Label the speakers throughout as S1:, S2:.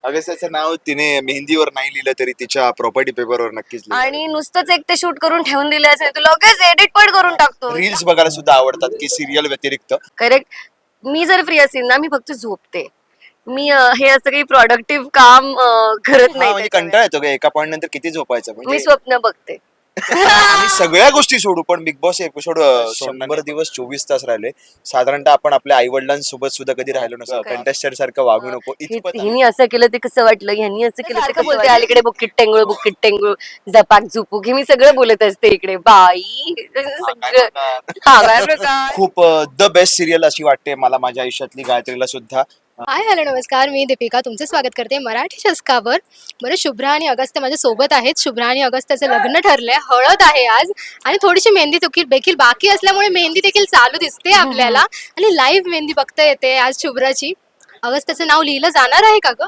S1: अगस्त्याचं नाव तिने मेहंदीवर नाही लिहिलं तरी तिच्या प्रॉपर्टी पेपरवर नक्कीच
S2: आणि नुसतंच एक ते शूट करून ठेवून दिले असेल तू लगेच एडिट पण करून टाकतो.
S1: रील्स बघायला सुद्धा आवडतात की सिरियल व्यतिरिक्त.
S2: करेक्ट. मी जर फ्री असेल ना मी फक्त झोपते. मी हे असं काही प्रोडक्टिव्ह काम करत नाही
S1: म्हणजे
S2: त्याच्या
S1: कंटाळा येतो का एका पॉइंट नंतर किती झोपायचं
S2: वेळेस. मी
S1: म्हणजे
S2: स्वप्न बघते.
S1: आम्ही सगळ्या गोष्टी सोडू पण बिग बॉस एपिसोड 100 दिवस 24 तास राहिले. साधारणतः आपण आपल्या आई वडिलांसोबत सुद्धा कधी राहिलो नसतो. कंटेस्टंट सारखं वागू नको इतपत
S2: हिनी असं केलं ते कसं वाटलं, ह्यांनी असं केलं ते कसं बोलते, अलीकडे बुक्कीट टेंगुळ झपाक झुपूक हे मी सगळं बोलत असते इकडे बाई सगळं. हा काय प्रकार.
S1: खूप द बेस्ट सिरियल अशी वाटते मला माझ्या आयुष्यातली गायत्रीला सुद्धा.
S3: हाय हॅलो नमस्कार, मी दीपिका तुमचं स्वागत करते मराठी शस्कावर. बरं, शुभ्रा आणि अगस्त्य माझ्या सोबत आहेत. शुभ्रा आणि अगस्त्याचं लग्न ठरलंय, हळद आहे आज आणि थोडीशी मेहंदी देखील बाकी असल्यामुळे मेहंदी देखील चालू दिसते आपल्याला आणि लाईव्ह मेहंदी बघता येते आज शुभ्राची. अगस्त्याचं नाव लिहिलं जाणार आहे का ग?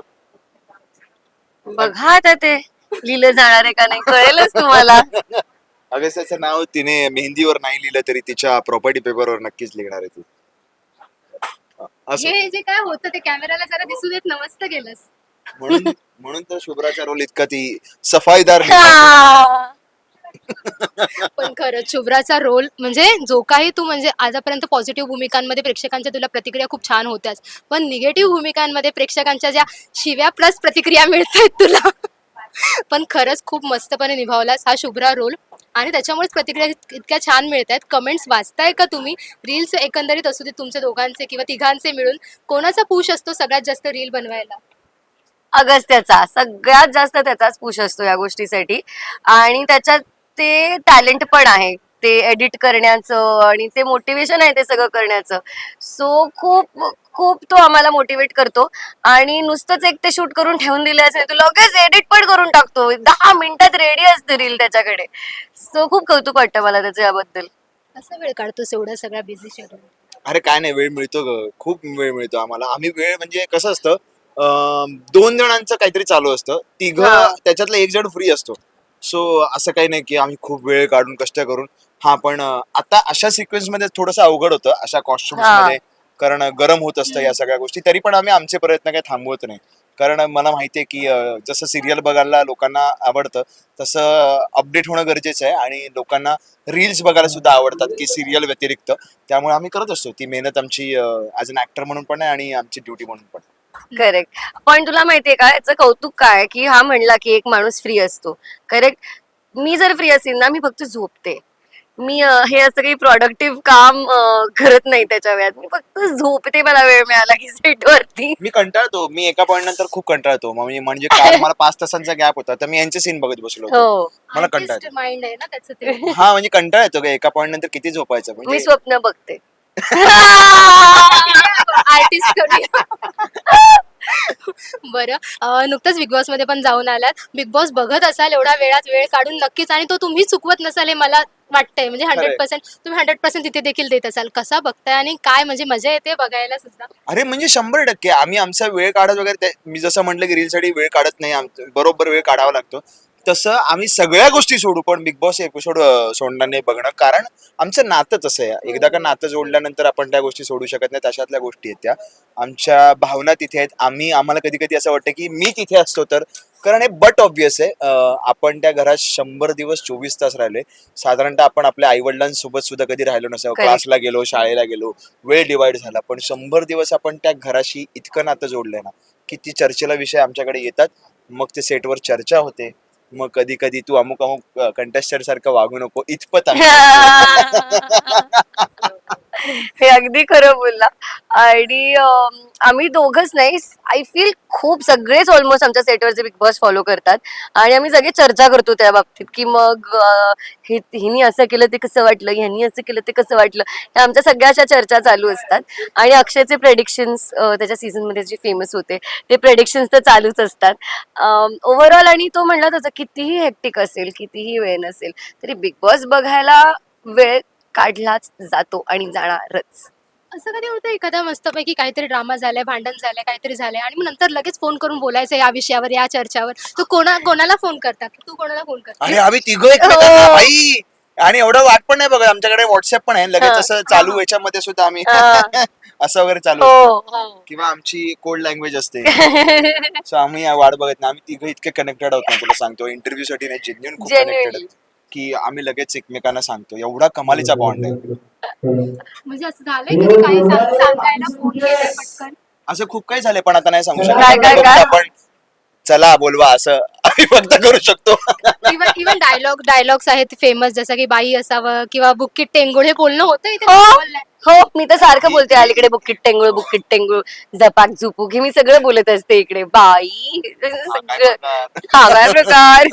S2: बघा आता ते लिहिलं जाणार आहे का नाही कळेलच तुम्हाला.
S1: अगस्त्याचं नाव तिने मेहंदीवर नाही लिहिलं तरी तिच्या प्रॉपर्टी पेपरवर नक्कीच लिहिणार आहे ती. असं
S3: हे जे काय होतं ते कॅमेराला जरा दिसू देत नमस्त केलंस.
S1: म्हणून तर शुभ्राचा रोल इतका ती सफाईदार
S3: पण खरंच शुभ्राचा रोल म्हणजे जो काही तू म्हणजे आजपर्यंत पॉझिटिव्ह भूमिकांमध्ये प्रेक्षकांच्या तुला प्रतिक्रिया खूप छान होत्याच, पण निगेटिव्ह भूमिकांमध्ये प्रेक्षकांच्या ज्या शिव्या प्लस प्रतिक्रिया मिळतात तुला पण खरंच खूप मस्तपणे निभावलास हा शुभ्रा रोल आणि त्याच्यामुळेच प्रतिक्रिया इतक्या छान मिळत आहेत. कमेंट्स वाचताय का तुम्ही? रील्स एकंदरीत असू दे तुमच्या दोघांचे किंवा तिघांचे मिळून कोणाचा पुश असतो सगळ्यात जास्त रील बनवायला?
S2: अगस्त्याचा सगळ्यात जास्त त्याचाच पुश असतो या गोष्टीसाठी आणि त्याच्यात ते टॅलेंट पण आहे ते एडिट करण्याचं आणि ते मोटिवेशन आहे ते सगळं करण्याचं. सो खूप खूप तो आम्हाला मोटिवेट करतो आणि नुसतंच एक ते शूट करून ठेवून दिले असेल तू लगेच एडिट पण करून टाकतो. 10 मिनिटात रेडी असते रील त्याच्याकडे. सो खूप कौतुक वाटतं मला त्याचं याबद्दल.
S3: कसा वेळ काढतोस एवढा सगळा बिझी शेड्यूल?
S1: अरे काय नाही, वेळ मिळतो ग, खूप वेळ मिळतो आम्हाला. आम्ही वेळ म्हणजे कसं असतं, 2 जणांचं काहीतरी चालू असतं, त्याच्यातला एक जण फ्री असतो. सो असं काही नाही की आम्ही खूप वेळ काढून कष्ट करून. हा पण आता अशा सिक्वेन्स मध्ये थोडंसं अवघड होतं अशा कॉस्ट्युम्स मध्ये, कारण गरम होत असतं या सगळ्या गोष्टी. तरी पण आम्ही आमचे प्रयत्न काही थांबवत नाही, कारण मला माहितीये की जसं सिरियल बघायला लोकांना आवडतं तसं अपडेट होणं गरजेचं आहे आणि लोकांना रील्स बघायला सुद्धा आवडतात की सिरियल व्यतिरिक्त. त्यामुळे आम्ही करत असतो ती मेहनत आमची ऍज अन ऍक्टर म्हणून पण आहे आणि आमची ड्युटी म्हणून पण.
S2: करेक्ट. पण तुला माहितीये का याचं कौतुक काय की हा म्हणला की एक माणूस फ्री असतो. करेक्ट. मी जर फ्री असेल ना मी फक्त झोपते. मी हे असं काही प्रोडक्टिव्ह काम करत नाही त्याच्या वेळात. मी फक्त झोपते मला वेळ मिळाला की सेट वरती.
S1: मी कंटाळतो, मी एका पॉइंट नंतर खूप कंटाळतो. म्हणजे काल मला 5 तासांचा गॅप होता तर मी यांचे सीन बघत बसलो होतो.
S2: हो.
S1: मला कंटाळतो.
S3: माइंड आहे ना त्याचं ते.
S1: हा म्हणजे कंटाळा येतो का एका पॉइंट नंतर किती झोपायचं
S2: मी
S1: म्हणजे.
S2: स्वप्न बघते.
S3: आर्टिस्ट बरं, नुकतंच बिग बॉस मध्ये पण जाऊन आलात. बिग बॉस बघत असाल एवढ्या वेळात वेळ काढून नक्कीच आणि तो तुम्ही चुकवत नसाल हे मला वाटतंय. म्हणजे 100% तुम्ही 100% तिथे देखील देत असाल. कसा बघताय आणि काय म्हणजे मजा येते बघायला सुद्धा?
S1: अरे म्हणजे 100% आम्ही आमचा वेळ काढत वगैरे मी जसं म्हटलं की रीलसाठी वेळ काढत नाही, बरोबर वेळ काढावा लागतो. तसं आम्ही सगळ्या गोष्टी सोडू पण बिग बॉस एपिसोड सोडणार नाही बघणं, कारण आमचं नातं तसं आहे. एकदा का नातं जोडल्यानंतर आपण त्या गोष्टी सोडू शकत नाही. तशातल्या गोष्टी आहेत त्या. आमच्या भावना तिथे आहेत. आम्हाला कधी कधी असं वाटतं की मी तिथे असतो तर, कारण हे बट ऑब्विस आहे. आपण त्या घरात 100 दिवस 24 तास राहिले. साधारणतः आपण आपल्या आई वडिलांसोबत सुद्धा कधी राहिलो नसतो. क्लासला गेलो, शाळेला गेलो, वेळ डिवाइड झाला. पण 100 दिवस आपण त्या घराशी इतकं नातं जोडलंय ना की ती चर्चेला विषय आमच्याकडे येतात. मग ते सेटवर चर्चा होते. मग कधी कधी तू अमुक कंटेस्टंट सारखं वागू नको इतपत
S2: हे अगदी खरं बोलला. आणि आम्ही दोघच नाही, आय फील खूप सगळेच ऑलमोस्ट आमच्या सेटवरचे बिग बॉस फॉलो करतात आणि आम्ही सगळे चर्चा करतो त्या बाबतीत की मग हिनी असं केलं ते कसं वाटलं, ह्यांनी असं केलं ते कसं वाटलं. ह्या आमच्या सगळ्याच्या चर्चा चालू असतात आणि अक्षयचे प्रेडिक्शन्स त्याच्या सीझन मध्ये जे फेमस होते ते प्रेडिक्शन्स तर चालूच असतात ओव्हरऑल. आणि तो म्हणला त्याचा कितीही हेक्टिक असेल, कितीही वेळ नसेल तरी बिग बॉस बघायला वेळ काढलाच जातो आणि जाणारच.
S3: असं कधी होतं एखादा मस्तपैकी काहीतरी ड्रामा झालाय, भांडण झालंय, काहीतरी झालंय आणि मग नंतर लगेच फोन करून बोलायचं या विषयावर, या चर्चावर, तू कोणाला फोन करता? तू कोणाला फोन करता?
S1: अरे आम्ही तिघं एकमेकांना भाई, आणि एवढं वाट पण नाही बघा, आमच्याकडे व्हॉट्सअप पण आहे लगेच असं चालू याच्यामध्ये सुद्धा आम्ही असं वगैरे चालू
S2: हो
S1: असतं
S2: हो
S1: किंवा आमची कोड लँग्वेज असते सो आम्ही या वाट बघत नाही आम्ही तिघं इतके कनेक्टेड आहोत ना तुला सांगतो इंटरव्ह्यू साठी नाही जेन्युइन खूप कनेक्टेड
S2: जेन्युइनली
S1: आहेत की आम्ही लगेच एकमेकांना सांगतो एवढा कमालीचा बॉन्ड आहे
S3: म्हणजे असं झालंय कधी काही सांगायला फोन केलाय पटकन?
S1: असं खूप काही झालंय पण आता नाही सांगू
S2: काय,
S1: शकत
S2: काय,
S1: फक्त
S2: काय?
S1: आपण चला बोलवा असं आम्ही फक्त करू शकतो
S3: इव्हन डायलॉग्स आहेत फेमस जसं की बाई असावं किंवा बुक्कीट टेंगुळ हे बोलणं होतं इथे
S2: हो
S3: बोललंय.
S2: हो मी तर सारखं बोलते अलीकडे बुक्कीट टेंगुळ झपाक झुपूक हे मी सगळं बोलत असते इकडे बाई सगळं हा काय प्रकार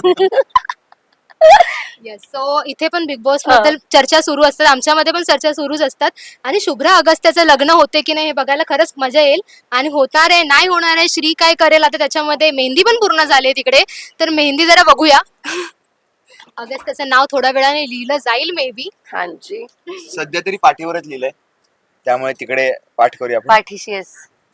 S3: येस सो इथे पण बिग बॉस बद्दल चर्चा सुरू असतात आमच्यामध्ये पण चर्चा सुरूच असतात आणि शुभ्रा अगस्त्याचं लग्न होते की नाही हे बघायला खरंच मजा येईल आणि होणार आहे नाही होणार आहे श्री काय करेल आता त्याच्यामध्ये मेहंदी पण पूर्ण झाली तिकडे तर मेहंदी जरा बघूया अगस्त्याचं नाव थोड्या वेळाने लिहिलं जाईल मे बी
S2: हांजी
S1: सध्या तरी पाठीवरच लिहिलंय त्यामुळे तिकडे पाठ करूया आपण
S2: पाठीशी येस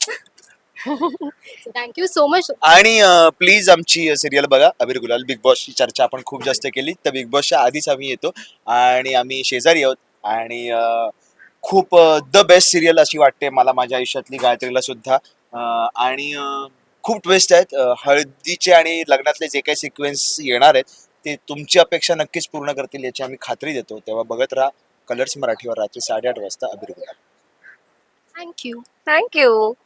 S3: थँक्यू सो मच
S1: आणि प्लीज आमची सिरियल बघा अबीर गुलाल बिग बॉसची चर्चा आपण खूप जास्त केली तर बिग बॉसच्या आधीच आम्ही येतो आणि आम्ही शेजारी आहोत आणि खूप द बेस्ट सिरियल अशी वाटते मला माझ्या आयुष्यातली गायत्रीला सुद्धा आणि खूप ट्विस्ट आहेत हळदीचे आणि लग्नातले जे काही सिक्वेन्स येणार आहेत ते तुमची अपेक्षा नक्कीच पूर्ण करतील याची आम्ही खात्री देतो तेव्हा बघत राहा कलर्स मराठीवर रात्री 8:30 वाजता अबीर गुलाल
S3: थँक्यू
S2: थँक्यू